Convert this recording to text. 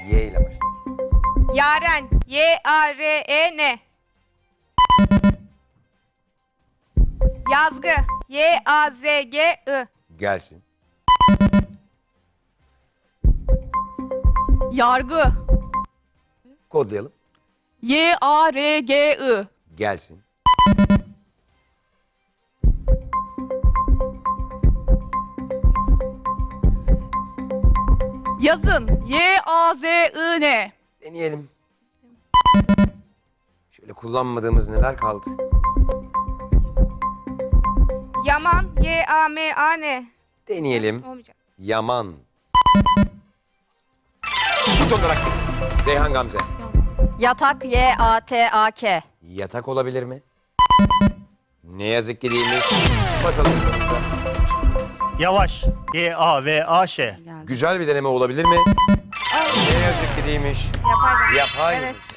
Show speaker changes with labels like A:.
A: Y ile başlar.
B: Yaren. Y-A-R-E-N. Yazgı. Y-A-Z-G-I.
A: Gelsin.
C: Yargı.
A: Kodlayalım.
C: Y-A-R-G-I.
A: Gelsin.
C: Yazın. Y-A-Z-I-N.
A: Deneyelim. Şöyle kullanmadığımız neler kaldı?
B: Yaman. Y-A-M-A-N.
A: Deneyelim.
B: Olmayacak.
A: Yaman. Butonlar aktif. Reyhan Gamze.
D: Yatak, Y-A-T-A-K.
A: Yatak olabilir mi? Ne yazık ki değilmiş. Basalım butonumuza.
E: Yavaş. Y-A-V-A-Ş.
A: Güzel bir deneme olabilir mi? Ne yazık ki değilmiş.
B: Yapay.
A: Yapay.
B: Evet.